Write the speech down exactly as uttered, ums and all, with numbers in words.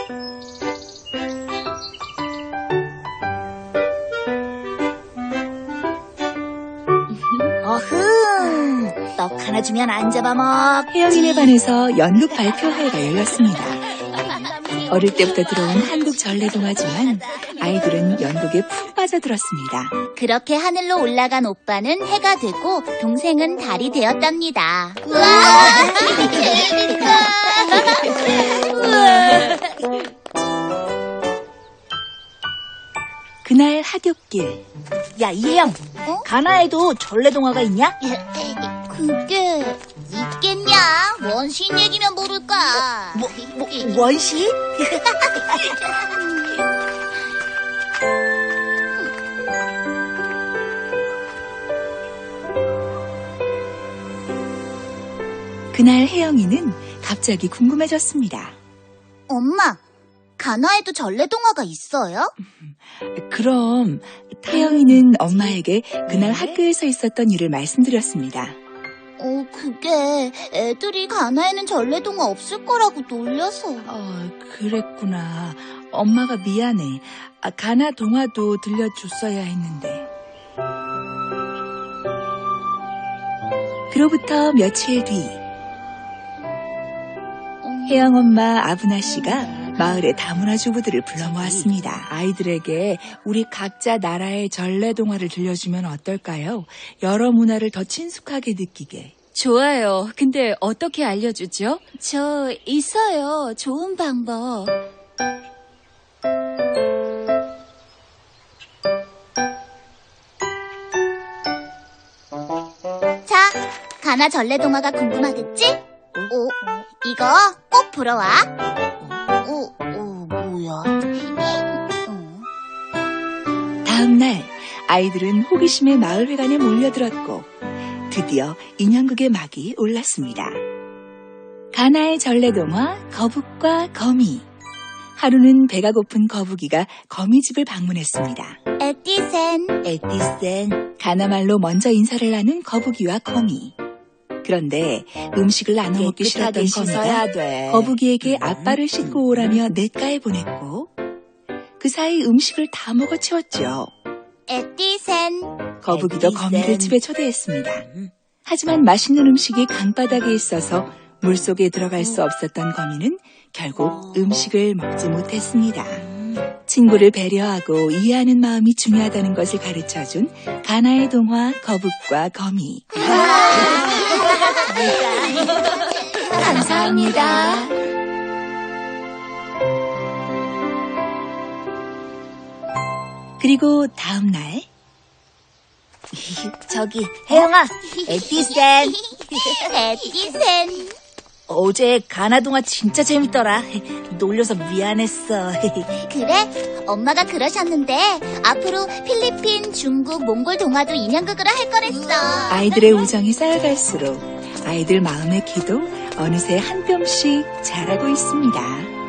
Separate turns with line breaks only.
어흥, 떡 하나 주면 안 잡아먹.
혜영이네 반에서 연극 발표회가 열렸습니다. 어릴 때부터 들어온 한국 전래동화지만 아이들은 연극에 푹 빠져들었습니다.
그렇게 하늘로 올라간 오빠는 해가 되고 동생은 달이 되었답니다.
우와,
그날 하굣길.
야, 이혜영,
어?
가나에도 전래동화가 있냐?
그게 있겠냐? 원시인 얘기면 모를까?
뭐, 뭐 원시?
그날 혜영이는 갑자기 궁금해졌습니다.
엄마, 가나에도 전래동화가 있어요?
그럼 혜영이는 엄마에게 그날 학교에서 있었던 일을 말씀드렸습니다.
어, 그게 애들이 가나에는 전래동화 없을 거라고 놀려서.
어, 그랬구나. 엄마가 미안해. 아, 가나 동화도 들려줬어야 했는데. 그로부터 며칠 뒤 혜영 엄마 아브나 씨가 마을의 다문화 주부들을 불러 모았습니다. 아이들에게 우리 각자 나라의 전래동화를 들려주면 어떨까요? 여러 문화를 더 친숙하게 느끼게.
좋아요. 근데 어떻게 알려주죠?
저 있어요. 좋은 방법. 자, 가나 전래동화가 궁금하겠지? 오, 이거 꼭 불어와. 오, 오, 뭐야? 어.
다음 날 아이들은 호기심에 마을회관에 몰려들었고 드디어 인형극의 막이 올랐습니다. 가나의 전래동화 거북과 거미. 하루는 배가 고픈 거북이가 거미집을 방문했습니다.
에티센.
에티센. 가나말로 먼저 인사를 나눈 거북이와 거미. 그런데 음식을 나눠 먹기 싫었던 거미가
돼.
거북이에게 앞발을 씻고 오라며 냇가에 보냈고 그 사이 음식을 다 먹어치웠죠.
에티센.
거북이도
에티센.
거미를 집에 초대했습니다. 하지만 맛있는 음식이 강바닥에 있어서 물속에 들어갈 수 없었던 거미는 결국 음식을 먹지 못했습니다. 친구를 배려하고 이해하는 마음이 중요하다는 것을 가르쳐준 가나의 동화 거북과 거미. 감사합니다. 그리고 다음 날
저기, 혜영아, 에티센.
에티센.
어제 가나동화 진짜 재밌더라. 놀려서 미안했어.
그래? 엄마가 그러셨는데 앞으로 필리핀, 중국, 몽골 동화도 인형극으로 할 거랬어.
아이들의 우정이 쌓여갈수록 아이들 마음의 키도 어느새 한 뼘씩 자라고 있습니다.